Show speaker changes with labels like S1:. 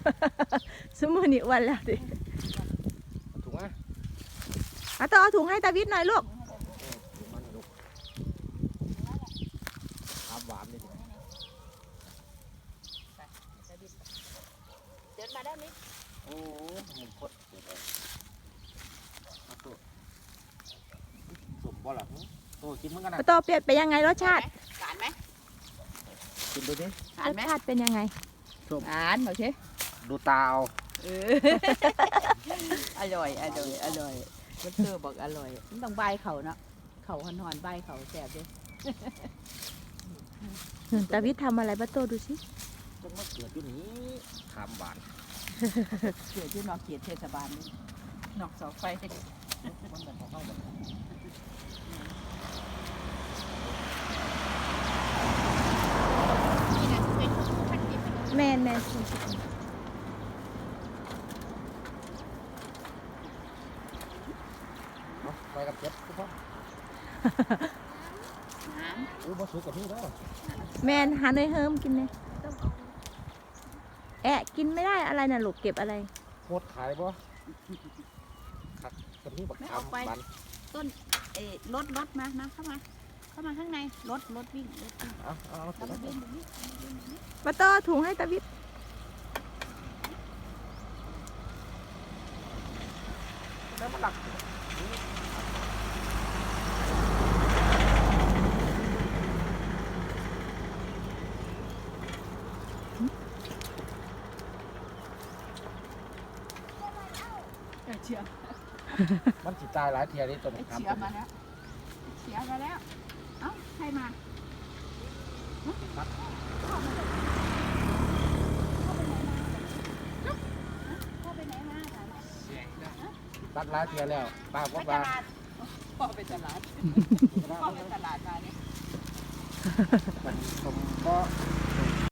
S1: สมุนี่อ้วันแล้วดิ
S2: ถูกไหม
S1: ต้องเอาถุงให้ตาวิทย์หน่อยลูก
S2: ถูกมันลูกทำหวานเลย
S3: เดินมาได้ไหม
S2: โอ้มึงโคตรเด็ดสมบ่หรอโตกินมึงกันนะ
S1: ป้าโตเปลี่ยนไปยังไงรสชาติ
S3: หวานไหม
S2: กินดูดิ
S3: หวาร น
S1: ส
S3: ไหม
S1: ชาติเป็นยังไง
S3: หวานโอเค
S2: ดูตาเอา
S3: อร่อยอร่อยอร่อยมันเธอบอกอร่อยมันต้องใบเขาเนาะเขาหอนๆใบเขาแสบดิ
S1: ตาวิทย์ทำอะไรป้าโตดูสิ
S2: จังมาเกิดอยู่นี้ทำหวาน
S3: เกิดที่นอกเขตเทศบาลนี่นอกเสาไฟ
S2: มันเป็นของเข้าแบบ
S1: แม่น
S2: ไปกับเจ็บทุกคนอู้มาสู้กับพี่แล้ว
S1: แม่นหาเนยเฮิมกินเลยแอะกินไม่ได้อะไรน่ะลูกเก็บอะไร
S2: โคตรขายบ่ขัดกับพี่บักขามบัน
S3: รถมาเข้ามาข้างในรถวิ่ง
S2: เอา
S3: แล้วมันวิ่งแบบนี้
S1: ป้าโตถุงให้ตาวิทย์
S2: แล้วมันหลัก
S3: เชียร์
S2: มันจิตตายหลายเทียนี่ตัวบักขาม
S3: เชียร์มาแล้วเชียร์มาแล้วเอ้าใครมาเข้าไปไหนมา
S2: ตัดหลายเทียแล้วป้าก็
S3: ไปต
S2: ป้า
S3: ลาดพ่อไปตลาดพ่อไปตลาดมาเนี่ย
S2: ผมก็